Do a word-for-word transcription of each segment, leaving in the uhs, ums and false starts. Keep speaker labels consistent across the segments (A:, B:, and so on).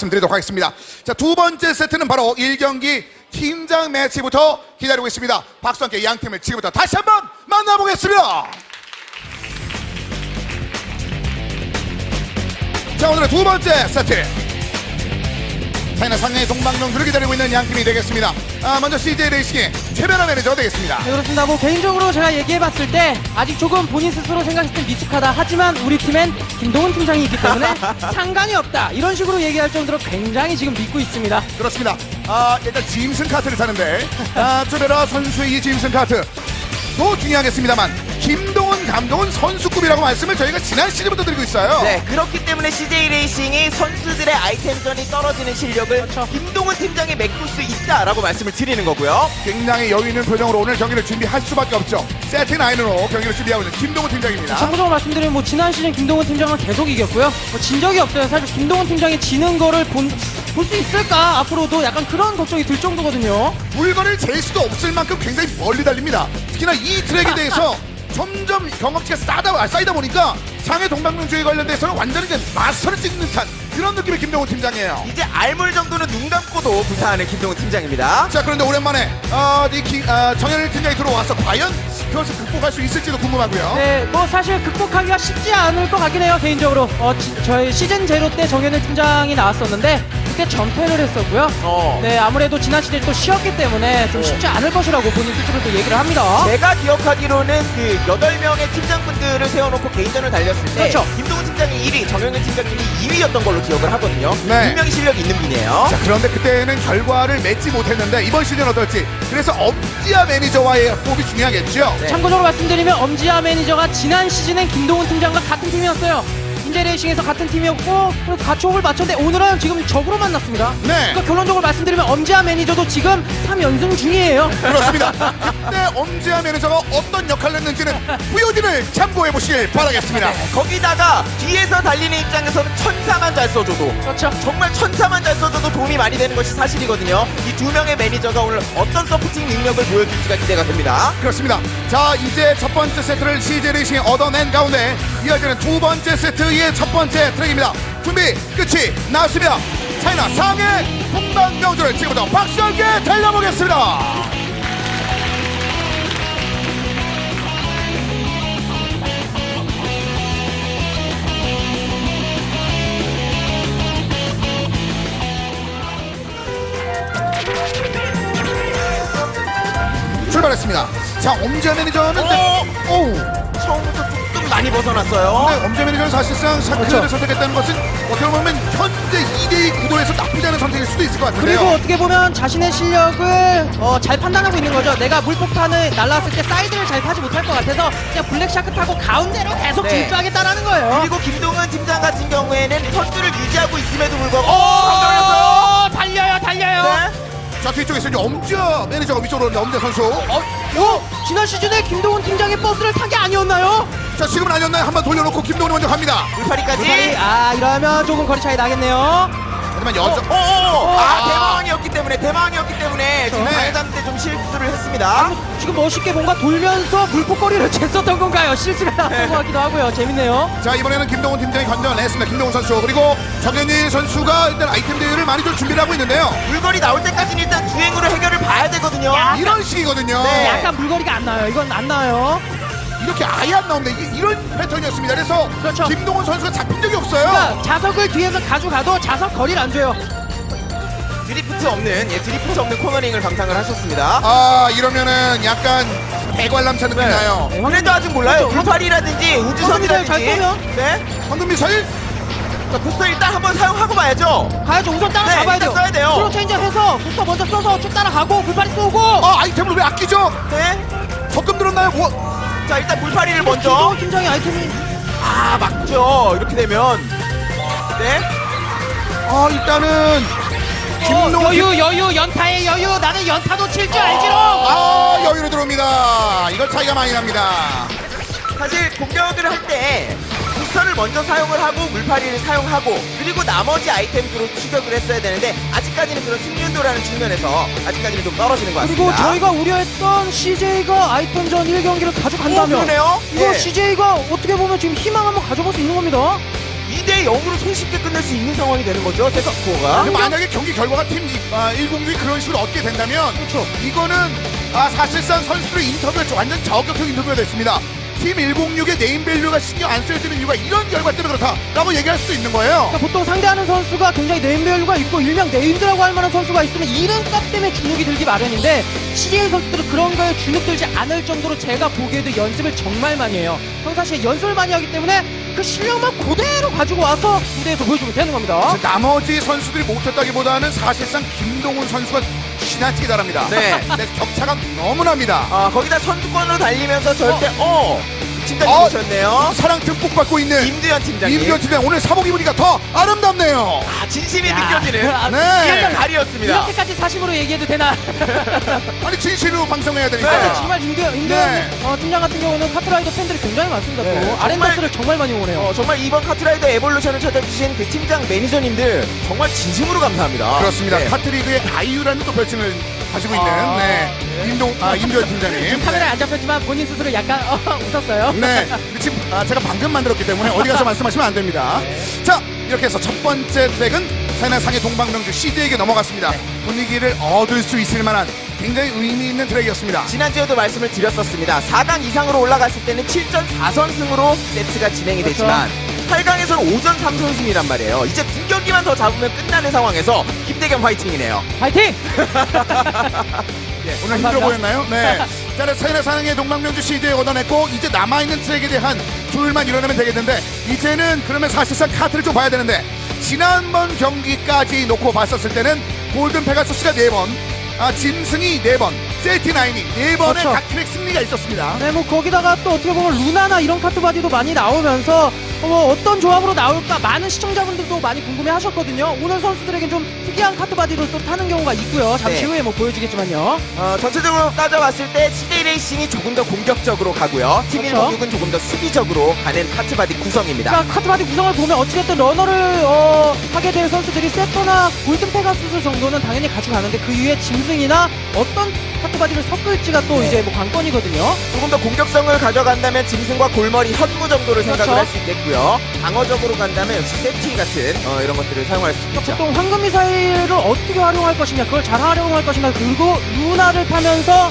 A: 말씀드리도록 하겠습니다. 자, 두 번째 세트는 바로 일 경기 팀장 매치부터 기다리고 있습니다. 박수와 함께 양 팀을 지금부터 다시 한번 만나보겠습니다. 자, 오늘의 두 번째 세트, 차이나 상해의 동방농구를 기다리고 있는 양 팀이 되겠습니다. 아, 먼저 씨제이 레이싱의 최변화 매니저가 되겠습니다.
B: 네, 그렇습니다. 뭐 개인적으로 제가 얘기해봤을 때 아직 조금 본인 스스로 생각했을 때 미숙하다. 하지만 우리 팀엔 김동훈 팀장이 있기 때문에 상관이 없다. 이런 식으로 얘기할 정도로 굉장히 지금 믿고 있습니다.
A: 그렇습니다. 아, 일단 짐슨 카트를 타는데 아, 최변화 선수의 이 짐슨 카트 또 중요하겠습니다만 김동훈 감독은 선수급이라고 말씀을 저희가 지난 시즌부터 드리고 있어요.
C: 네, 그렇기 때문에 씨제이 레이싱이 선수들의 아이템전이 떨어지는 실력을
B: 그렇죠.
C: 김동훈 팀장이 메꿀 수 있다라고 말씀을 드리는 거고요.
A: 굉장히 여유 있는 표정으로 오늘 경기를 준비할 수밖에 없죠. 세트 나인으로 경기를 준비하고 있는 김동훈 팀장입니다.
B: 참고적으로 말씀드리면 뭐 지난 시즌 김동훈 팀장은 계속 이겼고요. 뭐 진 적이 없어요. 사실 김동훈 팀장이 지는 거를 본 볼 수 있을까? 앞으로도 약간 그런 걱정이 들 정도거든요.
A: 물건을 잴 수도 없을 만큼 굉장히 멀리 달립니다. 특히나 이 트랙에 대해서 점점 경험치가 쌓다, 쌓이다 보니까 상해 동방명주에 관련돼서는 완전히 이제 마스터를 찍는 듯한 그런 느낌의 김동훈 팀장이에요.
C: 이제 알물 정도는 눈 감고도 구사하는 김동훈 팀장입니다.
A: 자, 그런데 오랜만에 어, 이 기, 어, 정현일 팀장이 들어와서 과연 그것을 극복할 수 있을지도 궁금하고요.
B: 네, 뭐 사실 극복하기가 쉽지 않을 것 같긴 해요, 개인적으로. 어, 지, 저희 시즌 제로 때 정현일 팀장이 나왔었는데 그때 전패를 했었고요.
C: 어.
B: 네, 아무래도 지난 시즌 또 쉬었기 때문에 좀 쉽지 않을 것이라고 본인 스스로도 얘기를 합니다.
C: 제가 기억하기로는 그 여덟 명의 팀장분들을 세워놓고 개인전을 달렸을 때
B: 그렇죠.
C: 김동훈 팀장이 일 위, 정영현 팀장님이 이 위였던 걸로 기억을 하거든요.
A: 네.
C: 분명히 실력이 있는 분이에요.
A: 자, 그런데 그때는 결과를 맺지 못했는데 이번 시즌 어떨지, 그래서 엄지아 매니저와의 호흡이 중요하겠죠.
C: 네.
B: 참고적으로 말씀드리면 엄지아 매니저가 지난 시즌엔 김동훈 팀장과 같은 팀이었어요. 인제레이싱에서 같은 팀이었고 그래서 같이 호흡을 맞췄는데 오늘은 지금 적으로 만났습니다.
A: 네.
B: 그러니까 결론적으로 말씀드리면 엄지아 매니저도 지금 삼 연승 중이에요.
A: 그렇습니다. 그때 엄지아 매니저가 어떤 역할을 했는지는 브이오디를 참고해 보시길 바라겠습니다.
C: 거기다가 뒤에서 달리는 입장에서는 천사만 잘 써줘도
B: 그렇죠.
C: 정말 천사만 잘 써줘도 도움이 많이 되는 것이 사실이거든요. 이 두 명의 매니저가 오늘 어떤 서포팅 능력을 보여줄지가 기대가 됩니다.
A: 그렇습니다. 자, 이제 첫 번째 세트를 씨제이 레이싱이 얻어낸 가운데 이어지는 두 번째 세트의 첫 번째 트랙입니다. 준비 끝이 났습니다. 차이나 상해 동방명주를 지금부터 박수와 함께 달려보겠습니다. 출발했습니다. 자, 엄지아 매니저는
C: 어?
A: 오우.
C: 처음부터 조금 많이 벗어났어요.
A: 네, 엄지아 매니저는 사실상 샤크를
B: 그렇죠.
A: 선택했다는 것은 어떻게 보면 현재 이 대 이 구도에서 나쁘지 않은 선택일 수도 있을 것 같은데요.
B: 그리고 어떻게 보면 자신의 실력을 어, 잘 판단하고 있는 거죠. 내가 물폭탄을 날라왔을 때 사이드를 잘 타지 못할 것 같아서 그냥 블랙샤크 타고 가운데로 계속
C: 네.
B: 질주하겠다라는 거예요.
C: 그리고 김동훈 팀장 같은 경우에는 선두를 유지하고 있음에도 불구하고
B: 오,
C: 어,
B: 달려요, 달려요.
C: 네?
A: 자, 뒤쪽에서 이제 엄지아 매니저가 위쪽으로 오는데 엄지아 선수.
B: 어, 요 지난 시즌에 김동훈 팀장의 버스를 탄 게 아니었나요?
A: 자, 지금은 아니었나요? 한번 돌려놓고 김동훈이 먼저 갑니다.
C: 물파리까지.
B: 물파리, 아 이러면 조금 거리 차이 나겠네요.
A: 하지만 여전
C: 어, 어, 어. 아,
A: 아.
C: 대마왕이었기 때문에 대마왕이었기 때문에 지금
A: 네.
C: 방해 잡는 데 좀 실수를 했습니다.
B: 지금 멋있게 뭔가 돌면서 물폭거리를 쟀었던 건가요? 실수가 나왔던 것 같기도 하고요. 재밌네요.
A: 자, 이번에는 김동훈 팀장이 건져냈습니다. 김동훈 선수. 그리고 정현일 선수가 일단 아이템 대회를 많이 좀 준비를 하고 있는데요.
C: 물거리 나올 때까지는 일단 주행으로 해결을 봐야 되거든요.
A: 이런 식이거든요.
C: 네.
B: 약간 물거리가 안 나요. 이건 안 나요.
A: 이렇게 아예 안 나옵니다. 이게 이런 패턴이었습니다. 그래서
B: 그렇죠.
A: 김동훈 선수가 잡힌 적이 없어요.
B: 그러니까 자석을 뒤에서 가져가도 자석 거리를 안 줘요.
C: 드리프트 없는, 예, 드리프트 없는 코너링을 감상을 하셨습니다.
A: 아, 이러면은 약간 대관람차 느낌 나요.
B: 네,
C: 그래도 아직 몰라요. 물파리라든지 우주선이라든지.
B: 잘 쏘면?
C: 네.
A: 황금 미사일?
C: 자, 부스터 일단 한번 사용하고 봐야죠.
B: 가야죠. 우선 따라잡아야
C: 네,
B: 돼요.
C: 일단 써야 돼요.
B: 스로 체인저 해서 부터 먼저 써서 쭉 따라가고 불파리 쏘고.
A: 아, 아이템을 왜 아끼죠?
C: 네.
A: 적금 들었나요? 뭐?
C: 자, 일단 물파리를 먼저.
B: 김동훈 팀장의 아이템이
C: 아, 막죠. 이렇게 되면. 네.
A: 아, 일단은
B: 어,
A: 김동훈
B: 여유 여유 연타의 여유. 나는 연타도 칠 줄 알지롱.
A: 아, 여유로 들어옵니다. 이거 차이가 많이 납니다.
C: 사실 공격을 할 때 부스터를 먼저 사용을 하고 물파리를 사용하고 그리고 나머지 아이템으로 추격을 했어야 되는데 아직까지는 그런 승률도라는 측면에서 아직까지는 좀 떨어지는 것 같습니다.
B: 그리고 저희가 우려했던 씨제이가 아이템전 일 경기를 가져간다면
C: 오, 그러네요.
B: 이거
C: 예.
B: 씨제이가 어떻게 보면 지금 희망 한번 가져볼 수 있는 겁니다.
C: 이 대 영으로 손쉽게 끝낼 수 있는 상황이 되는 거죠. 세트 스코어가.
A: 근데 만약에 경기 결과가 팀 이- 아, 일공육이 그런 식으로 얻게 된다면
B: 그렇죠.
A: 이거는 아, 사실상 선수들의 인터뷰가 완전 저격형 인터뷰가 됐습니다. 팀 일공육의 네임밸류가 신경 안 쓰여지는 이유가 이런 결과 때문에 그렇다라고 얘기할 수도 있는 거예요.
B: 그러니까 보통 상대하는 선수가 굉장히 네임밸류가 있고 일명 네임드라고 할 만한 선수가 있으면 이름값 때문에 주눅이 들기 마련인데 씨제이 선수들은 그런 거에 주눅 들지 않을 정도로 제가 보기에도 연습을 정말 많이 해요. 평상시에 연습을 많이 하기 때문에 그 실력만 그대로 가지고 와서 무대에서 보여주면 되는 겁니다.
A: 나머지 선수들이 못했다기보다는 사실상 김동훈 선수가 지나치게 잘합니다.
C: 네.
A: 근데 격차가 너무납니다.
C: 아, 거기다 선두권으로 달리면서 절대 어, 팀장님
A: 어,
C: 오셨네요.
A: 사랑 듬뿍 받고 있는
C: 임두현 팀장님.
A: 임기현 팀장 오늘 사복 입으니까 더 아름답네요.
C: 아, 진심이
B: 야.
C: 느껴지는
B: 아,
A: 네.
C: 이런 달이었습니다.
B: 이렇게까지 사심으로 얘기해도 되나?
A: 아니 진실로 방송해야
B: 아,
A: 되니까.
B: 정말 임두현, 임두현
A: 네.
B: 어, 팀장 같은 경우는 카트라이더 팬들이 굉장히 많습니다.
C: 네,
B: 또
C: 정말-
B: 아렌다스를 정말 많이 응원해요.
C: 어, 정말 이번 카트라이더 에볼루션을 찾아주신 그 팀장 매니저님들 정말 진심으로 감사합니다.
A: 그렇습니다.
C: 네.
A: 카트리그의 아이유라는 또 별칭을 가지고 있는
B: 아,
A: 네. 임동 아 임두현 팀장님.
B: 카메라에 안 잡혔지만 본인 스스로 약간 어, 웃었어요.
A: 네. 지금 아, 제가 방금 만들었기 때문에 어디 가서 말씀하시면 안 됩니다. 자, 이렇게 해서 첫 번째 트랙은 차이나 상해 동방명주 씨제이에게 넘어갔습니다. 분위기를 얻을 수 있을 만한 굉장히 의미 있는 트랙이었습니다.
C: 지난주에도 말씀을 드렸었습니다. 사 강 이상으로 올라갔을 때는 칠 전 사 선승으로 세트가 진행이
B: 그렇죠.
C: 되지만 팔 강에서는 오 전 삼 선승이란 말이에요. 이제 두 경기만 더 잡으면 끝나는 상황에서 김대겸 화이팅이네요.
B: 파이팅!
A: 오늘 힘들어
B: 감사합니다.
A: 보였나요? 네. 자, 차이나 상해 동방명주 씨제이 얻어냈고 이제 남아있는 트랙에 대한 조율만 이뤄내면 되겠는데 이제는 그러면 사실상 카트를 좀 봐야 되는데 지난번 경기까지 놓고 봤었을 때는 골든 페가수스가 네 번, 아, 짐승이 네 번, 셀티나인이 네 번의
B: 그렇죠.
A: 각 트랙 승리가 있었습니다.
B: 네, 뭐 거기다가 또 어떻게 보면 루나나 이런 카트바디도 많이 나오면서 어, 뭐 어떤 조합으로 나올까 많은 시청자분들도 많이 궁금해하셨거든요. 오늘 선수들에겐 좀 특이한 카트바디를 또 타는 경우가 있고요. 잠시
C: 네.
B: 후에 뭐 보여주겠지만요.
C: 어, 전체적으로 따져봤을 때 씨제이 레이싱이 조금 더 공격적으로 가고요. 팀
B: 그렇죠.
C: 일공육은 조금 더 수비적으로 가는 카트바디 구성입니다.
B: 그러니까 카트바디 구성을 보면 어찌됐든 러너를 어, 하게 될 선수들이 세터나 골든 페가수스 정도는 당연히 가져가는데 그 이후에 짐승이나 어떤 카트바디를 섞을지가 또
C: 네.
B: 이제 뭐 관건이거든요.
C: 조금 더 공격성을 가져간다면 짐승과 골머리, 현무 정도를 생각을
B: 그렇죠.
C: 할 수 있겠고요. 방어적으로 간다면 역시 세티 같은 어, 이런 것들을 사용할 수 있죠.
B: 보통 황금 미사일을 어떻게 활용할 것이냐, 그걸 잘 활용할 것이냐, 그리고 루나를 타면서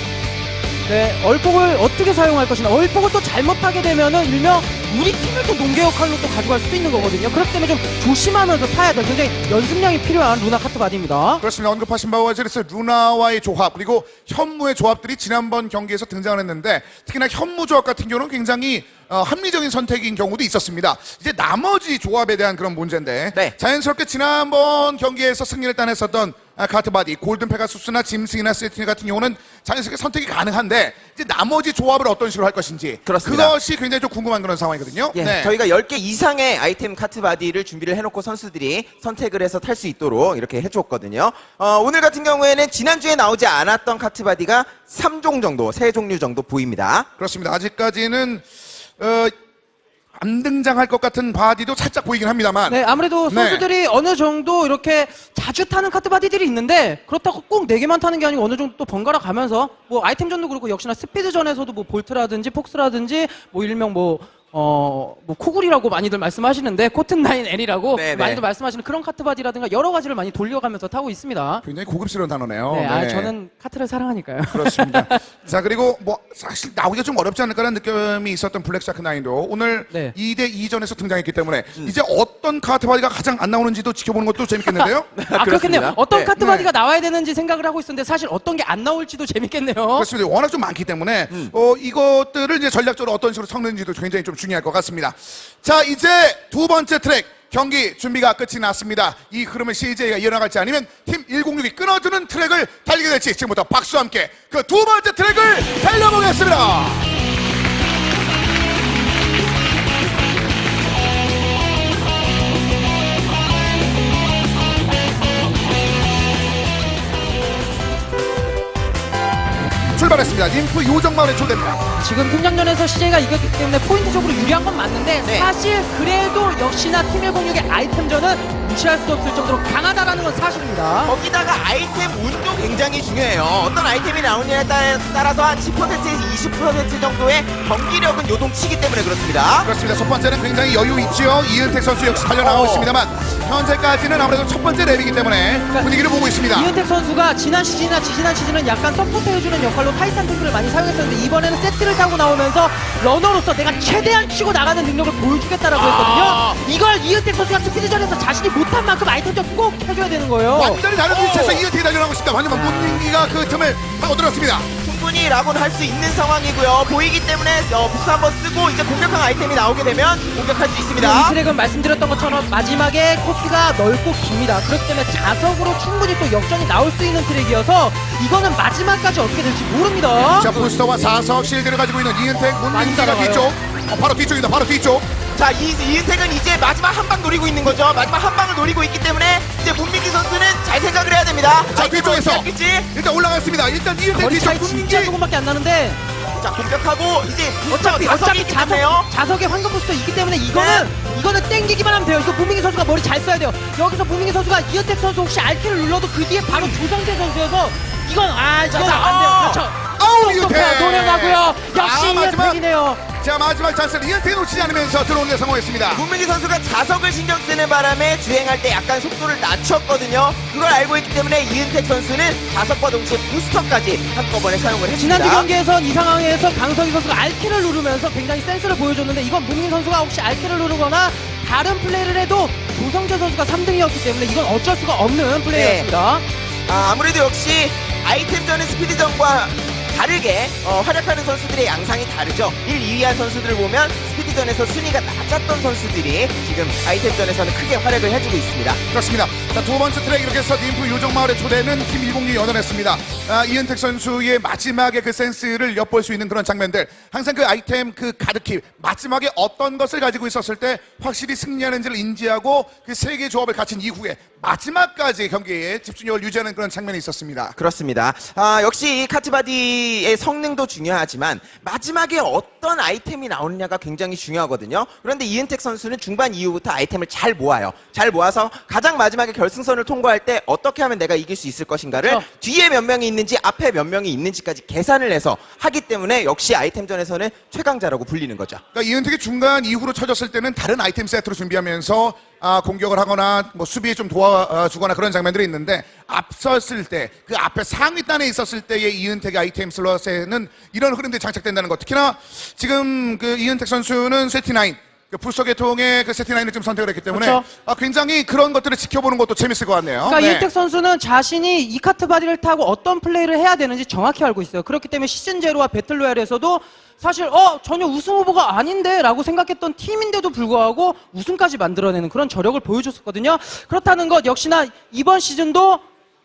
B: 네, 얼폭을 어떻게 사용할 것이냐, 얼폭을 또 잘못하게 되면은 일명 우리 팀을 또 농계 역할로 또 가져갈 수도 있는 거거든요. 그렇기 때문에 좀 조심하면서 타야 될 굉장히 연습량이 필요한 루나 카트바디입니다.
A: 그렇습니다. 언급하신 바와 같이 그래서 루나와의 조합 그리고 현무의 조합들이 지난번 경기에서 등장을 했는데 특히나 현무 조합 같은 경우는 굉장히 어, 합리적인 선택인 경우도 있었습니다. 이제 나머지 조합에 대한 그런 문제인데
C: 네.
A: 자연스럽게 지난번 경기에서 승리를 따냈었던 아, 카트바디, 골든 페가수스나 짐승이나 세티니 같은 경우는 자연스럽게 선택이 가능한데 이제 나머지 조합을 어떤 식으로 할 것인지
C: 그렇습니다.
A: 그것이 굉장히 좀 궁금한 그런 상황이거든요.
C: 예,
A: 네.
C: 저희가 열 개 이상의 아이템 카트바디를 준비를 해놓고 선수들이 선택을 해서 탈 수 있도록 이렇게 해줬거든요. 어, 오늘 같은 경우에는 지난주에 나오지 않았던 카트바디가 삼 종 정도, 세 종류 정도 보입니다.
A: 그렇습니다. 아직까지는 어, 안 등장할 것 같은 바디도 살짝 보이긴 합니다만
B: 네, 아무래도
A: 네.
B: 선수들이 어느 정도 이렇게 자주 타는 카트바디들이 있는데 그렇다고 꼭 네 개만 타는 게 아니고 어느 정도 또 번갈아 가면서 뭐 아이템전도 그렇고 역시나 스피드전에서도 뭐 볼트라든지 폭스라든지 뭐 일명 뭐 어, 뭐 코굴이라고 많이들 말씀하시는데 코튼나인 L이라고
C: 네, 네.
B: 많이들 말씀하시는 그런 카트바디라든가 여러 가지를 많이 돌려가면서 타고 있습니다.
A: 굉장히 고급스러운 단어네요.
B: 네, 아,
A: 네.
B: 저는 카트를 사랑하니까요.
A: 그렇습니다. 자, 그리고 뭐 사실 나오기가 좀 어렵지 않을까라는 느낌이 있었던 블랙샤크 나인도 오늘
B: 네.
A: 이 대 이전에서 등장했기 때문에 이제 어떤 카트바디가 가장 안 나오는지도 지켜보는 것도 재밌겠는데요.
B: 아, 그렇겠네요. 어떤
C: 네.
B: 카트바디가 나와야 되는지 생각을 하고 있었는데 사실 어떤 게 안 나올지도 재밌겠네요.
A: 그렇습니다. 워낙 좀 많기 때문에 어, 이것들을 이제 전략적으로 어떤 식으로 섞는지도 굉장히 좀 중요할 것 같습니다. 자, 이제 두 번째 트랙 경기 준비가 끝이 났습니다. 이 흐름을 씨제이가 이어나갈지 아니면 팀 일공육이 끊어주는 트랙을 달리게 될지 지금부터 박수와 함께 그 두 번째 트랙을 달려보겠습니다. 출발했습니다. 림프 요정마을에 초대입니다.
B: 지금 팀장전에서 씨제이가 이겼기 때문에 포인트적으로 유리한 건 맞는데
C: 네.
B: 사실 그래도 역시나 팀 일공육의 아이템전은 무시할 수 없을 정도로 강하다라는 건 사실입니다.
C: 거기다가 아이템 운도 굉장히 중요해요. 어떤 아이템이 나오느냐에 따- 따라서 한 십 퍼센트에서 이십 퍼센트 정도의 경기력은 요동치기 때문에 그렇습니다.
A: 그렇습니다. 첫 번째는 굉장히 여유 있죠. 이은택 선수 역시 달려나가고
C: 어.
A: 있습니다만 현재까지는 아무래도 첫 번째 랩이기 때문에 분위기를 보고 있습니다.
B: 이은택 선수가 지난 시즌이나 지지난 시즌은 약간 서포트해주는 역할로 타이탄 탱크를 많이 사용했었는데 이번에는 세트를 타고 나오면서 러너로서 내가 최대한 치고 나가는 능력을 보여주겠다라고
A: 아.
B: 했거든요. 이걸 이은택 선수가 스피드전에서 자신이 못한 만큼 아이템전 꼭 해줘야 되는 거예요.
A: 완전히 다른
C: 어.
A: 위치에서 이은택이 달려나가고 있습니다. 하지만 문민기가 그 틈을 파고들었습니다.
C: 충분히 라곤 할 수 있는 상황이고요. 보이기 때문에 어, 부스 한번 쓰고 이제 공격형 아이템이 나오게 되면 공격할 수
B: 이
C: 있습니다.
B: 트랙은 말씀드렸던 것처럼 마지막에 코스가 넓고 깁니다. 그렇기 때문에 자석으로 충분히 또 역전이 나올 수 있는 트랙이어서 이거는 마지막까지 어떻게 될지 모릅니다.
A: 자, 부스터와 사석 실드를 가지고 있는 이은택 문민기가
B: 따라가요.
A: 뒤쪽. 어, 바로 뒤쪽입니다. 바로 뒤쪽.
C: 자, 이, 이은택은 이제 마지막 한 방 노리고 있는 거죠. 마지막 한 방을 노리고 있기 때문에 이제 문민기 선수는 잘 생각을 해야 됩니다.
A: 자,
C: 아이템을
A: 뒤쪽에서
C: 어떻게 할지.
A: 일단 올라갔습니다. 일단 이은택
B: 거리
A: 뒤쪽
B: 차이
A: 문민기.
B: 진짜 조금밖에 안 나는데
C: 자, 공격하고 이제
B: 어차피
C: 자석이
B: 어차피
C: 있기
B: 자석,
C: 때문에요.
B: 자석에 황금 부스터 있기 때문에 이거는 이거는 땡기기만 하면 돼요. 이거 부민기 선수가 머리 잘 써야 돼요. 여기서 부민기 선수가 이은택 선수 혹시 알키를 눌러도 그 뒤에 바로 조성재 선수여서 이건 아 이건
C: 자,
B: 안 돼요.
C: 어.
B: 그렇죠.
A: 아우, 이은택.
B: 노력하고요. 역시
A: 아, 마지막.
B: 이은택이네요.
A: 자, 마지막 찬스를 이은택이 놓치지 않으면서 들어오는 데 성공했습니다.
C: 문민기 선수가 자석을 신경 쓰는 바람에 주행할 때 약간 속도를 낮췄거든요. 그걸 알고 있기 때문에 이은택 선수는 자석과 동시에 부스터까지 한꺼번에 사용을 했습니다.
B: 지난주 경기에선 이 상황에서 강석희 선수가 알키를 누르면서 굉장히 센스를 보여줬는데 이건 문민 선수가 혹시 알키를 누르거나 다른 플레이를 해도 조성재 선수가 삼 등이었기 때문에 이건 어쩔 수가 없는 플레이였습니다.
C: 아, 아무래도 역시 아이템전의 스피드전과 다르게 어, 활약하는 선수들의 양상이 다르죠. 일, 이 위한 선수들을 보면 스피드전에서 순위가 낮았던 선수들이 지금 아이템전에서는 크게 활약을 해주고 있습니다.
A: 그렇습니다. 자, 두 번째 트랙 이렇게 해서 님프 요정마을의 초대는 팀 일공이 얻어냈습니다. 아, 이은택 선수의 마지막에 그 센스를 엿볼 수 있는 그런 장면들. 항상 그 아이템 그 가득히 마지막에 어떤 것을 가지고 있었을 때 확실히 승리하는지를 인지하고 그 세 개의 조합을 갖춘 이후에 마지막까지 경기에 집중력을 유지하는 그런 장면이 있었습니다.
C: 그렇습니다. 아, 역시 이 카트바디의 성능도 중요하지만 마지막에 어떤 아이템이 나오느냐가 굉장히 중요하거든요. 그런데 이은택 선수는 중반 이후부터 아이템을 잘 모아요. 잘 모아서 가장 마지막에 결승선을 통과할 때 어떻게 하면 내가 이길 수 있을 것인가를
B: 그렇죠.
C: 뒤에 몇 명이 있는지 앞에 몇 명이 있는지까지 계산을 해서 하기 때문에 역시 아이템전에서는 최강자라고 불리는 거죠.
A: 그러니까 이은택이 중간 이후로 쳐졌을 때는 다른 아이템 세트로 준비하면서 아, 공격을 하거나 뭐 수비에 좀 도와주거나 그런 장면들이 있는데 앞섰을 때 그 앞에 상위 단에 있었을 때의 이은택의 아이템 슬롯에는 이런 흐름들이 장착된다는 것. 특히나 지금 그 이은택 선수는 세티나인 그 불소 계통의 그 세티나인을 좀 선택을 했기 때문에
B: 그렇죠.
A: 아, 굉장히 그런 것들을 지켜보는 것도 재밌을 것 같네요.
B: 그러니까
A: 네.
B: 이은택 선수는 자신이 이 카트 바디를 타고 어떤 플레이를 해야 되는지 정확히 알고 있어요. 그렇기 때문에 시즌 제로와 배틀로얄에서도 사실 어 전혀 우승 후보가 아닌데 라고 생각했던 팀인데도 불구하고 우승까지 만들어내는 그런 저력을 보여줬었거든요. 그렇다는 것 역시나 이번 시즌도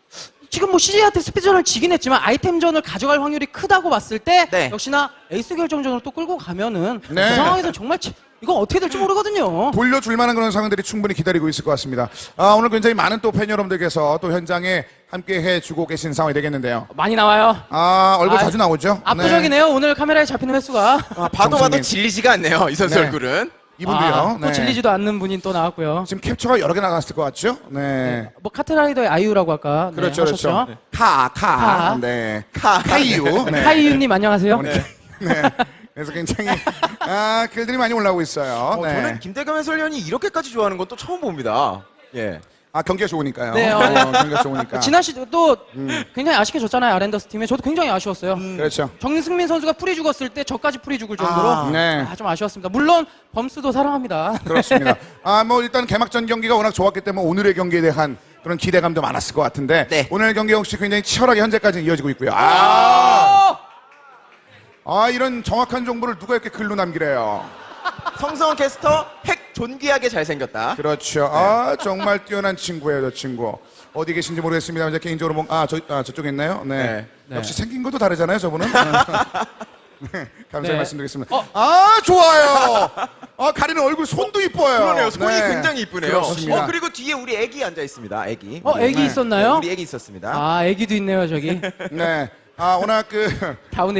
B: 지금 뭐 씨제이한테 스피드전을 지긴 했지만 아이템전을 가져갈 확률이 크다고 봤을 때
C: 네.
B: 역시나 에이스 결정전으로 또 끌고 가면은
A: 네.
B: 그 상황에서 정말 치- 이건 어떻게 될지 모르거든요.
A: 돌려줄 만한 그런 상황들이 충분히 기다리고 있을 것 같습니다. 아, 오늘 굉장히 많은 또 팬 여러분들께서 또 현장에 함께 해주고 계신 상황이 되겠는데요.
B: 많이 나와요.
A: 아, 얼굴
B: 아,
A: 자주 나오죠?
B: 압도적이네요. 오늘 카메라에 잡히는 횟수가.
C: 아, 봐도
A: 정성님.
C: 봐도 질리지가 않네요. 이 선수
A: 네.
C: 얼굴은.
A: 이분도요.
B: 아, 또
A: 네.
B: 질리지도 않는 분이 또 나왔고요.
A: 지금 캡처가 여러 개 나갔을 것 같죠? 네.
B: 뭐 카트라이더의 아이유라고 아까 네,
A: 그렇죠,
B: 하셨죠.
A: 그렇죠. 카, 카.
B: 카.
A: 네.
C: 카.
A: 카이유. 네.
B: 하이유님 안녕하세요.
A: 네. 네. 그래서 굉장히 아, 글들이 많이 올라오고 있어요.
C: 어,
A: 네.
C: 저는 김대겸 해설위원이 이렇게까지 좋아하는 건 또 처음 봅니다. 예.
A: 아, 경기가 좋으니까요.
B: 네, 어, 네.
A: 경기가 좋으니까.
B: 지난 시즌 또 굉장히 아쉽게 졌잖아요. 아랜더스 팀에. 저도 굉장히 아쉬웠어요.
A: 그렇죠.
B: 정승민 선수가 풀이 죽었을 때 저까지 풀이 죽을 정도로
C: 아,
A: 네.
B: 아, 좀 아쉬웠습니다. 물론 범스도 사랑합니다.
A: 그렇습니다. 아, 뭐 일단 개막전 경기가 워낙 좋았기 때문에 오늘의 경기에 대한 그런 기대감도 많았을 것 같은데
C: 네.
A: 오늘 경기 역시 굉장히 치열하게 현재까지 이어지고 있고요. 아, 아 이런 정확한 정보를 누가 이렇게 글로 남기래요.
C: 성성원 캐스터 핵 존귀하게 잘생겼다.
A: 그렇죠. 아, 정말 뛰어난 친구예요, 저 친구. 어디 계신지 모르겠습니다. 이제 개인적으로 뭐, 아, 저, 아, 저쪽에 있나요? 네.
B: 네.
A: 역시 생긴 것도 다르잖아요, 저분은. 네, 감사히
B: 네.
A: 말씀드리겠습니다.
B: 어.
A: 아, 좋아요. 아, 가리는 얼굴 손도 이뻐요.
C: 그러네요. 손이
A: 네.
C: 굉장히 이쁘네요.
A: 그렇습니다.
C: 어, 그리고 뒤에 우리 애기 앉아 있습니다. 애기.
B: 어, 애기
A: 네.
B: 있었나요?
C: 우리 애기 있었습니다.
B: 아, 애기도 있네요, 저기.
A: 네. 아, 워낙 그,
B: 다운 애기.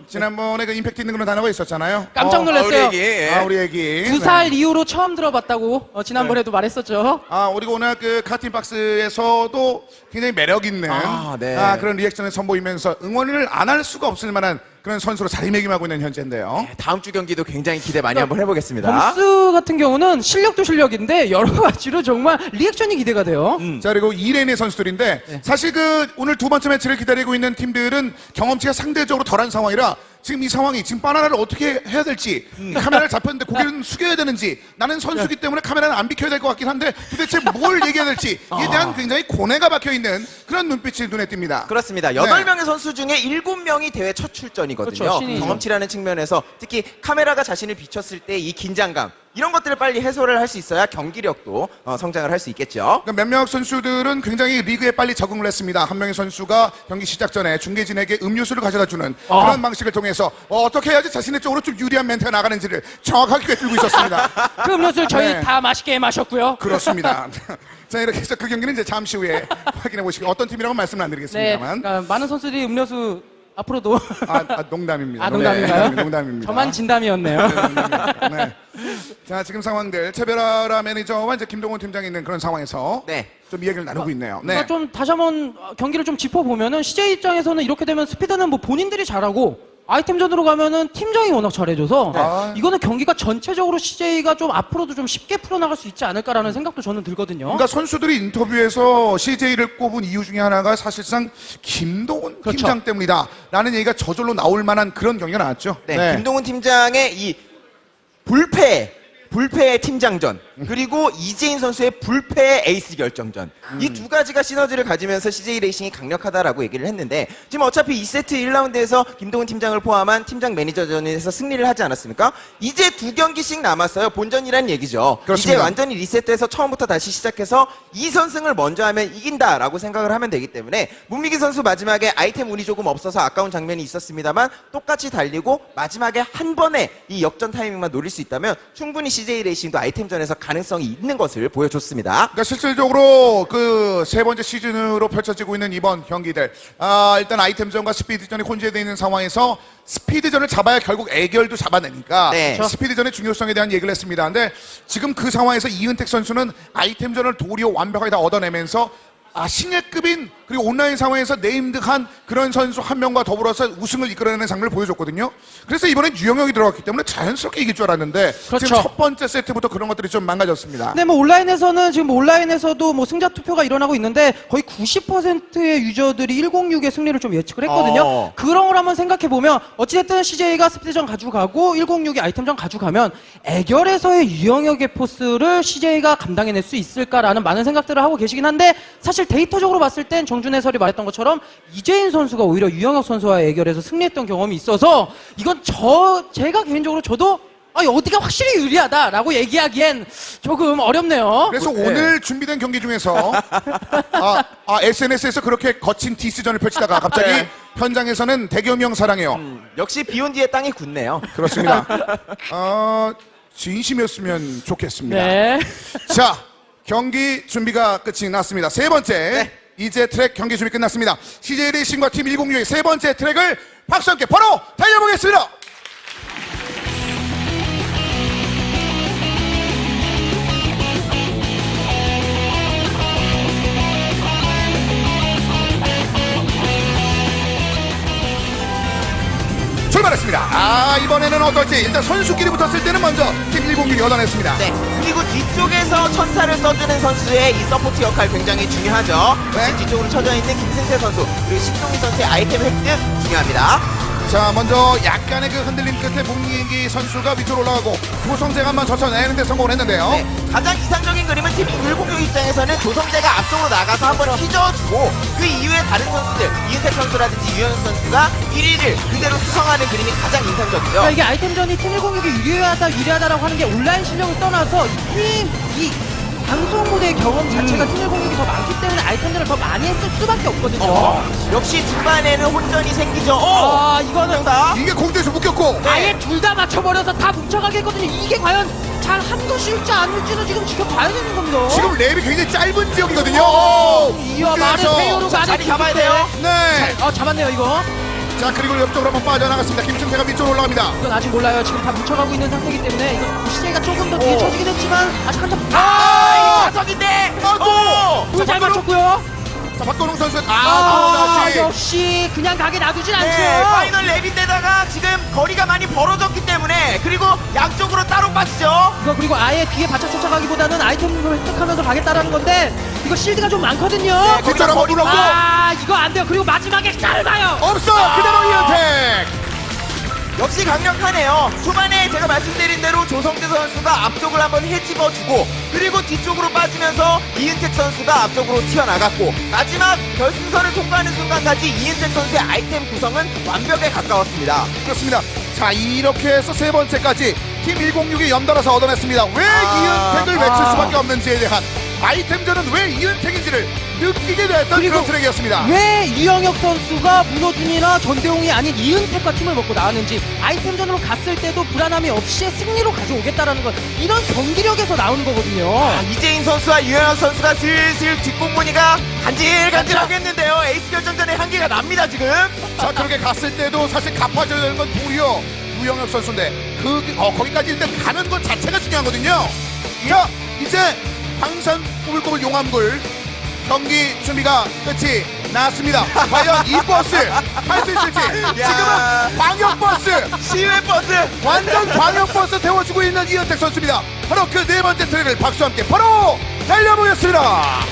A: 지난번에 그 임팩트 있는 그런 단어가 있었잖아요.
B: 깜짝 놀랐어요.
C: 어, 우리 얘기.
A: 아, 우리 얘기.
B: 두 살
A: 네.
B: 이후로 처음 들어봤다고 어, 지난번에도 말했었죠.
A: 아, 우리가 오늘 그 카팅 박스에서도 굉장히 매력 있는
C: 아, 네.
A: 아, 그런 리액션을 선보이면서 응원을 안 할 수가 없을 만한 그런 선수로 자리매김하고 있는 현재인데요.
C: 다음 주 경기도 굉장히 기대 많이 한번 해보겠습니다.
B: 범스 같은 경우는 실력도 실력인데 여러 가지로 정말 리액션이 기대가 돼요.
C: 음.
A: 자, 그리고 이 레인의 선수들인데
B: 네.
A: 사실 그 오늘 두 번째 매치를 기다리고 있는 팀들은 경험치가 상대적으로 덜한 상황이라 지금 이 상황이 지금 바나나를 어떻게 해야 될지 카메라를 잡혔는데 고개를 숙여야 되는지 나는 선수기 때문에 카메라는 안 비켜야 될 것 같긴 한데 도대체 뭘 얘기해야 될지에 대한 굉장히 고뇌가 박혀있는 그런 눈빛이 눈에 띕니다.
C: 그렇습니다. 여덟 명의 선수 중에 일곱 명이 대회 첫 출전이거든요.
B: 그렇죠, 신이죠.
C: 경험치라는 측면에서 특히 카메라가 자신을 비췄을 때 이 긴장감 이런 것들을 빨리 해소를 할 수 있어야 경기력도 어, 성장을 할 수 있겠죠.
A: 그러니까 몇몇 선수들은 굉장히 리그에 빨리 적응을 했습니다. 한 명의 선수가 경기 시작 전에 중계진에게 음료수를 가져다주는
B: 아.
A: 그런 방식을 통해서 어, 어떻게 해야지 자신의 쪽으로 좀 유리한 멘트가 나가는지를 정확하게 꿰뚫고 있었습니다.
B: 그 음료수를 저희
A: 네.
B: 다 맛있게 마셨고요.
A: 그렇습니다. 자, 이렇게 해서 그 경기는 이제 잠시 후에 확인해 보시고 어떤 팀이라고 말씀은 안
B: 네,
A: 드리겠습니다만
B: 그러니까 많은 선수들이 음료수 앞으로도
A: 아, 아, 농담입니다.
B: 아, 농담인가요?
A: 농담, 농담입니다.
B: 저만 진담이었네요.
A: 네, 농담입니다. 네. 자, 지금 상황들 최별아 매니저와 이제 김동훈 팀장이 있는 그런 상황에서
C: 네.
A: 좀 이야기를 나누고 있네요. 네.
B: 그러니까 좀 다시 한번 경기를 좀 짚어보면은 씨제이 입장에서는 이렇게 되면 스피드는 뭐 본인들이 잘하고 아이템전으로 가면은 팀장이 워낙 잘해줘서
A: 아.
B: 이거는 경기가 전체적으로 씨제이가 좀 앞으로도 좀 쉽게 풀어나갈 수 있지 않을까라는 생각도 저는 들거든요.
A: 그러니까 선수들이 인터뷰에서 씨제이를 꼽은 이유 중에 하나가 사실상 김동훈
B: 그렇죠.
A: 팀장 때문이다라는 얘기가 저절로 나올 만한 그런 경기가 나왔죠.
C: 네, 김동훈 팀장의 이 불패, 불패의 팀장전, 그리고 이재인 선수의 불패의 에이스 결정전. 이 두 가지가 시너지를 가지면서 씨제이 레이싱이 강력하다라고 얘기를 했는데, 지금 어차피 이 세트 일 라운드에서 김동훈 팀장을 포함한 팀장 매니저전에서 승리를 하지 않았습니까? 이제 두 경기씩 남았어요. 본전이란 얘기죠.
A: 그렇습니다.
C: 이제 완전히 리셋돼서 처음부터 다시 시작해서 이 선승을 먼저 하면 이긴다라고 생각을 하면 되기 때문에 문미기 선수 마지막에 아이템 운이 조금 없어서 아까운 장면이 있었습니다만 똑같이 달리고 마지막에 한 번에 이 역전 타이밍만 노릴 수 있다면 충분히 씨제이 레이싱도 아이템전에서 가능성이 있는 것을 보여줬습니다.
A: 그러니까 실질적으로 그 세 번째 시즌으로 펼쳐지고 있는 이번 경기들, 아, 일단 아이템전과 스피드전이 혼재되어 있는 상황에서 스피드전을 잡아야 결국 애결도 잡아내니까
C: 네.
A: 스피드전의 중요성에 대한 얘기를 했습니다. 근데 지금 그 상황에서 이은택 선수는 아이템전을 도리어 완벽하게 다 얻어내면서 아, 신예급인 그리고 온라인 상황에서 네임드한 그런 선수 한 명과 더불어서 우승을 이끌어내는 장면을 보여줬거든요. 그래서 이번엔 유영혁이 들어갔기 때문에 자연스럽게 이길 줄 알았는데
B: 그렇죠.
A: 지금 첫 번째 세트부터 그런 것들이 좀 망가졌습니다.
B: 근데 뭐 온라인에서는 지금 온라인에서도 뭐 승자 투표가 일어나고 있는데 거의 구십 퍼센트의 유저들이 일공육의 승리를 좀 예측을 했거든요.
C: 어.
B: 그런 걸 한번 생각해 보면 어찌됐든 씨제이가 스피드전 가져가고 일공육이 아이템전 가져가면 애결에서의 유영혁의 포스를 씨제이가 감당해낼 수 있을까라는 많은 생각들을 하고 계시긴 한데 사실 데이터적으로 봤을 땐 정준 해설이 말했던 것처럼 이재인 선수가 오히려 유영혁 선수와의 애결에서 승리했던 경험이 있어서 이건 저 제가 개인적으로 저도 아, 어디가 확실히 유리하다라고 얘기하기엔 조금 어렵네요.
A: 그래서
C: 네.
A: 오늘 준비된 경기 중에서 아, 아, 에스엔에스에서 그렇게 거친 디스전을 펼치다가 갑자기
C: 네.
A: 현장에서는 대겸형 사랑해요.
C: 음, 역시 비온 뒤에 땅이 굳네요.
A: 그렇습니다. 어, 진심이었으면 좋겠습니다.
B: 네.
A: 자, 경기 준비가 끝이 났습니다. 세 번째
C: 네.
A: 이제 트랙 경기 준비 끝났습니다. 씨제이 레이싱과 팀 일공육의 세 번째 트랙을 박수 함께 바로 달려보겠습니다. 출발했습니다. 아, 이번에는 어떨지 일단 선수끼리 붙었을 때는 먼저 팀 일공육이 얻어냈습니다.
C: 네. 그리고 뒤쪽에서 천사를 써주는 선수의 이 서포트 역할 굉장히 중요하죠.
A: 네.
C: 역시 뒤쪽으로 쳐져 있는 김승태 선수 그리고 신동희 선수의 아이템 획득 중요합니다.
A: 자, 먼저 약간의 그 흔들림 끝에 문민기 선수가 위쪽으로 올라가고 조성재가 한번 젖혀내는데 성공을 했는데요.
C: 네. 가장 이상적인 그림은 팀 일공육 입장에서는 조성재가 앞쪽으로 나가서 한번 휘저어주고 그 이후에 다른 선수들 이은택 선수라든지 유현 선수가 일 위를 그대로 수성하는 그림이 가장 인상적이죠.
B: 그러니까 이게 아이템전이 팀 일공육이 유리하다 유리하다라고 하는 게 온라인 실력을 떠나서 팀 이 방송 무대의 경험 자체가 팀 일공육이 더 많기 때문에 아이템전을 더 많이 했을 수밖에 없거든요.
C: 어, 역시 중반에는 혼전이 생기죠. 어,
B: 아, 이거는
C: 다
A: 이게 공중에서 묶였고
B: 아예 둘 다 맞춰버려서 다 뭉쳐가게 했거든요. 이게 과연 잘 한 것일지 아닐지는 지금 지켜봐야 되는 겁니다.
A: 지금 랩이 굉장히 짧은 지역이거든요.
B: 어, 이와 말을
A: 그래서
B: 페이오로
C: 자,
B: 가는
C: 자리 잡아야 돼요.
A: 네.
B: 어, 잡았네요, 이거.
A: 자 그리고 옆쪽으로 한번 빠져나갔습니다. 김준태가 밑쪽으로 올라갑니다.
B: 이건 아직 몰라요. 지금 다 뭉쳐가고 있는 상태이기 때문에 이거 시제이가 조금 더 뒤에
C: 오.
B: 쳐지긴 했지만 아직 한참
C: 아,
A: 아!
C: 이 자석인데.
A: 아이고!
C: 오!
B: 잘 맞췄고요.
A: 자 박건웅 선수 아,
B: 아,
A: 다시
B: 역시 그냥 가게 놔두진 않죠.
C: 네, 파이널 랩인데다가 지금 거리가 많이 벌어졌기 때문에 그리고 양쪽으로 따로 빠지죠.
B: 이거 그리고 아예 뒤에 바짝 쫓아가기보다는 아이템을 획득하면서 가겠다는 건데 이거 실드가 좀 많거든요.
C: 네,
A: 뒷줄 한번
C: 거리가
A: 눌렀고
B: 아 이거 안 돼요. 그리고 마지막에 짧아요.
A: 없어
C: 아.
A: 그대로 이은택.
C: 역시 강력하네요. 초반에 제가 말씀드린 대로 조성재 선수가 앞쪽을 한번 해집어주고 그리고 뒤쪽으로 빠지면서 이은택 선수가 앞쪽으로 튀어나갔고 마지막 결승선을 통과하는 순간까지 이은택 선수의 아이템 구성은 완벽에 가까웠습니다.
A: 그렇습니다. 자 이렇게 해서 세 번째까지 팀 백육이 연달아서 얻어냈습니다. 왜
C: 아,
A: 이은택을 외칠
B: 아.
A: 수밖에 없는지에 대한 아이템전은 왜 이은택인지를 느끼게 됐던
B: 그리고
A: 그런 트랙이었습니다.
B: 왜 유영혁 선수가 문호준이나 전대웅이 아닌 이은택과 팀을 먹고 나왔는지 아이템전으로 갔을 때도 불안함이 없이 승리로 가져오겠다라는 건 이런 경기력에서 나오는 거거든요.
C: 아, 이재인 선수와 유현학 선수가 슬슬 뒷공무니가 간질간질하겠는데요. 에이스 결정전의 한계가 납니다 지금.
A: 자 그렇게 갔을 때도 사실 갚아줘야 되는 건 도리어 유영혁 선수인데 그 어, 거기까지 일단 가는 것 자체가 중요하거든요. 자 이제 방산 꼬불꼬불 용암굴 경기 준비가 끝이 났습니다. 과연 이 버스 할 수 있을지 지금은 광역버스
C: 시외 버스.
A: 완전 광역버스 태워주고 있는 이은택 선수입니다. 바로 그 네 번째 트랙을 박수와 함께 바로 달려보겠습니다.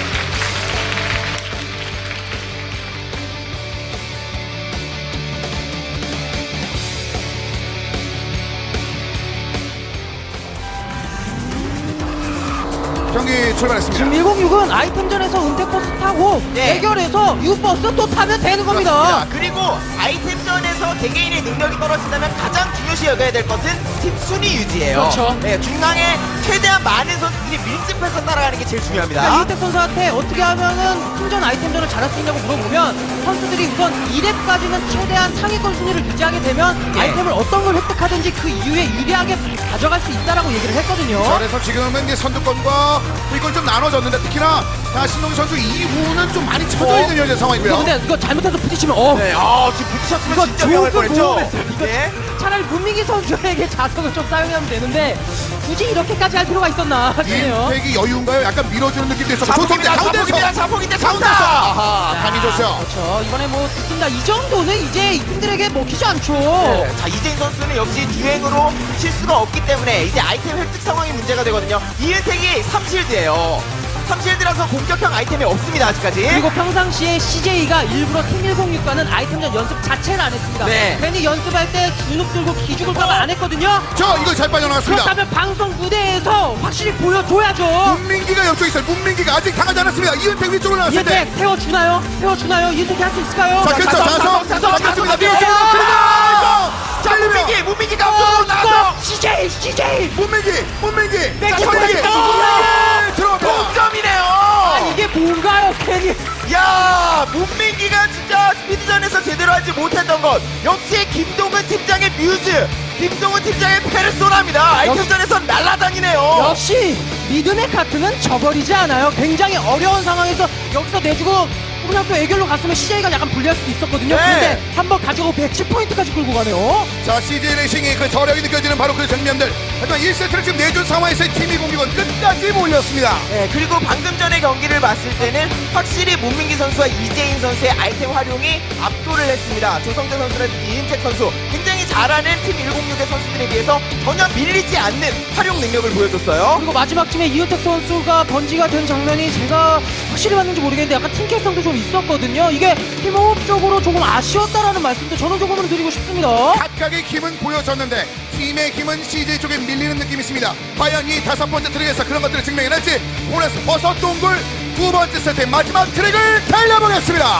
A: 경기 출발했습니다.
B: 지금 백육은 아이템전에서 은택버스 타고
C: 네.
B: 대결해서 U버스 또 타면 되는 겁니다.
C: 자, 그리고 아이템전에서 개개인의 능력이 떨어진다면 가장 중요시 여겨야 될 것은 팀 순위 유지예요.
B: 그렇죠.
C: 네, 중앙에 최대한 많은 선수들이 밀집해서 따라가는 게 제일 중요합니다.
B: 그러니까 이은택 선수한테 어떻게 하면은 팀전 아이템전을 잘할 수 있냐고 물어보면 선수들이 우선 이 렙까지는 최대한 상위권 순위를 유지하게 되면
C: 예.
B: 아이템을 어떤 걸 획득하든지 그 이후에 유리하게 가져갈 수 있다라고 얘기를 했거든요.
A: 자, 그래서 지금은 이제 선두권과 이걸 좀 나눠졌는데 특히나 자, 신동희 선수 이후는 좀 많이 쳐져 있는 현재 상황이고요.
B: 이거 근데 이거 잘못해서 부딪히면 어
C: 네, 아, 지금 부딪혔으면
B: 이거
C: 진짜 위험할
B: 조금
C: 뻔했죠.
B: 보험했어요. 이거
C: 네.
B: 차라리 문민기 선수에게 자석을 좀 사용하면 되는데 굳이 이렇게까지 할 필요가 있었나 싶네요.
A: 이은택이 여유인가요? 약간 밀어주는 느낌도 있었고 조성재
C: 자폭입니다.
A: 가운데서
C: 자폭입니다. 자폭인데
A: 가운데서
C: 장사.
A: 아하 감이 좋죠.
B: 그렇죠. 이번에 뭐 듣습니다. 이 정도는 이제 이분들에게 먹히지 않죠.
C: 네. 자, 이재인 선수는 역시 주행으로 실수가 없기 때문에 이제 아이템 획득 상황이 문제가 되거든요. 이은택이 삼 실드예요. 삼 실드라서 공격형 아이템이 없습니다 아직까지.
B: 그리고 평상시에 씨제이가 일부러 팀 백육과는 아이템전 연습 자체를 안 했습니다.
C: 네.
B: 괜히 연습할 때 주눅 들고 기죽을까봐 안 했거든요.
A: 저 이거 잘 빠져나갔습니다.
B: 그렇다면 방송 무대에서 확실히 보여줘야죠.
A: 문민기가 옆쪽에 있어요. 문민기가 아직 당하지 않았습니다. 이은택 위쪽으로 나왔을 때.
B: 이은택 태워주나요? 태워주나요? 이은택이 할 수 있을까요?
A: 자, 그렇죠.
C: 자석,
A: 자석,
C: 자석,
A: 자석,
C: 자석,
A: 잡혔습니다.
C: 자석,
A: 밀어주고
C: 자석.
A: 그러나
C: 자, 문민기, 문민기가 앞쪽으로 나가서
B: 씨제이, 씨제이.
A: 문민기, 문민기,
B: 자,
A: 문민기,
B: 문민기.
A: 문민기 들어갑니다.
C: 동점이네요.
B: 아, 이게 뭔가요, 괜히.
C: 야, 문민기가 진짜 스피드전에서 제대로 하지 못했던 것 역시 김동근 팀장의 뮤즈, 김동근 팀장의 페르소나입니다. 아이템전에선 날아다니네요.
B: 역시 믿음의 카트는 저버리지 않아요. 굉장히 어려운 상황에서 여기서 내주고 그냥 또 애결로 갔으면 씨제이가 약간 불리할 수도 있었거든요.
C: 네.
B: 그런데 한번 가져가고 백십 포인트까지 끌고 가네요.
A: 자, 씨제이 레이싱의 그 저력이 느껴지는 바로 그 장면들. 하지만 일 세트를 지금 내준 상황에서 팀이 공격은 끝까지 몰렸습니다.
C: 네, 그리고 방금 전의 경기를 봤을 때는 확실히 문민기 선수와 이재인 선수의 아이템 활용이 압도를 했습니다. 조성재 선수라든지 이은택 선수 굉장히 잘하는 팀 백육의 선수들에 비해서 전혀 밀리지 않는 활용 능력을 보여줬어요.
B: 그리고 마지막쯤에 이은택 선수가 번지가 된 장면이 제가 확실히 봤는지 모르겠는데 약간 팀캐성도 좀 있었거든요. 이게 팀호흡적으로 조금 아쉬웠다라는 말씀도 저는 조금은 드리고 싶습니다.
A: 각각의 힘은 보여줬는데 팀의 힘은 씨제이 쪽에 밀리는 느낌이 있습니다. 과연 이 다섯 번째 트랙에서 그런 것들을 증명해낼지 오늘서 버섯 동굴 두 번째 세트의 마지막 트랙을 달려보겠습니다.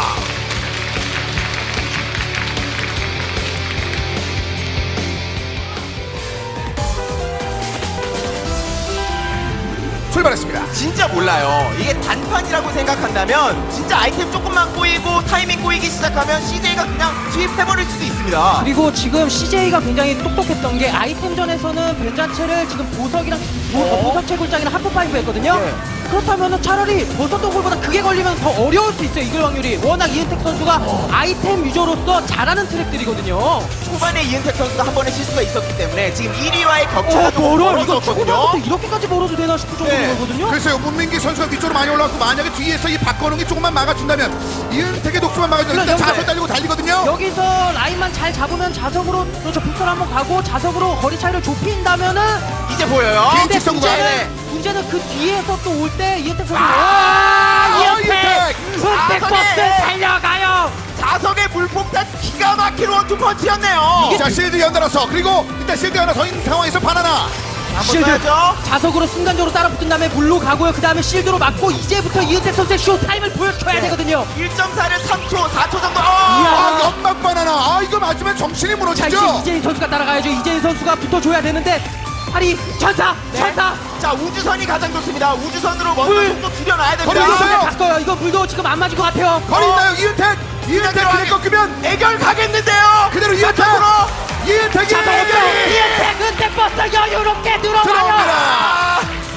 A: 출발했습니다.
C: 진짜 몰라요. 이게 단판이라고 생각한다면 진짜 아이템 조금만 꼬이고 타이밍 꼬이기 시작하면 씨제이가 그냥 투입해버릴 수도 있습니다.
B: 그리고 지금 씨제이가 굉장히 똑똑했던 게 아이템전에서는 변 자체를 지금 보석이랑 보,
C: 어?
B: 보석 채굴장이랑 하프파이브 했거든요.
C: 네.
B: 그렇다면은 차라리 버섯던 골보다 그게 걸리면 더 어려울 수 있어요. 이길 확률이. 워낙 이은택 선수가 아이템 유저로서 잘하는 트랙들이거든요.
C: 초반에 이은택 선수가 한 번의 실수가 있었기 때문에 지금 일 위와의 격차가
B: 어,
C: 좀
B: 멀어. 이거
C: 벌어졌거든요.
B: 초반부터 이렇게까지 멀어도 되나 싶을 정도인
C: 네.
B: 거거든요.
A: 글쎄요, 문민기 선수가 위쪽으로 많이 올라왔고 만약에 뒤에서 이 박건웅이 조금만 막아준다면 이은택의 독수만 막아주면 일단
B: 물론
A: 자석
B: 여기서-
A: 달리고 달리거든요.
B: 여기서 라인만 잘 잡으면 자석으로 그렇죠. 빅선 한번 가고 자석으로 거리 차이를 좁힌다면은
C: 이제 보여요.
A: 긴
B: 근데
A: 직선 구간.
B: 문제는, 문제는 그 뒤에서 또 올 때 이은택 선수
A: 아,
B: 이은택!
A: 이은택!
B: 은택 버스
C: 자석에!
B: 달려가요!
C: 자석의 물폭탄 기가 막힌 원투펀치였네요.
A: 자, 실드 연달아서 그리고 일단 실드 하나 더 있는 상황에서 바나나.
C: 한번
B: 실드
C: 써야죠.
B: 자석으로 순간적으로 따라붙은 다음에 물로 가고요. 그 다음에 실드로 맞고 이제부터 이은택 선수의 쇼타임을 보여줘야
C: 네.
B: 되거든요.
C: 일 점 사를 삼 초, 사 초 정도. 어!
A: 아, 연막 바나나. 아, 이거 맞으면 정신이
B: 자 이제
A: 무너지죠.
B: 이재인 선수가 따라가야죠. 이재인 선수가 붙어줘야 되는데 파리 천사
C: 네.
B: 천사
C: 자, 우주선이 가장 좋습니다. 우주선으로 먼저
B: 물.
C: 속도 줄여놔야
A: 거리
C: 됩니다.
A: 있어요.
B: 바꿔요. 이거 물도 지금 안 맞을 것 같아요.
A: 거리
C: 어.
A: 있나요, 이은택? 이은택 그냥 꺾으면
C: 애결 가겠는데요.
A: 그대로 이은택.
C: 바탕으로
A: 이은택이
B: 자석으로 이은택 은택 버스 여유롭게 들어가요.
A: 들어옵니다.
C: 아.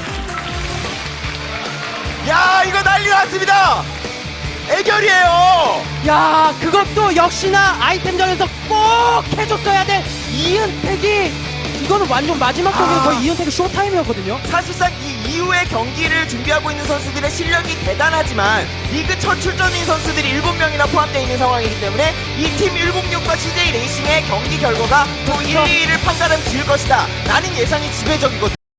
C: 야, 이거 난리 났습니다. 애결이에요.
B: 야 그것도 역시나 아이템전에서 꼭 해줬어야 돼. 이은택이 이거는 완전 마지막 경기는
C: 아.
B: 거의 이은택의 쇼타임이었거든요.
C: 사실상 이 이후의 경기를 준비하고 있는 선수들의 실력이 대단하지만 리그 첫 출전인 선수들이 일곱 명이나 포함되어 있는 상황이기 때문에 이 팀 백육과 씨제이 레이싱의 경기 결과가 또 일, 이 위를 판가름 지을 것이다 라는 예상이 지배적이거든요.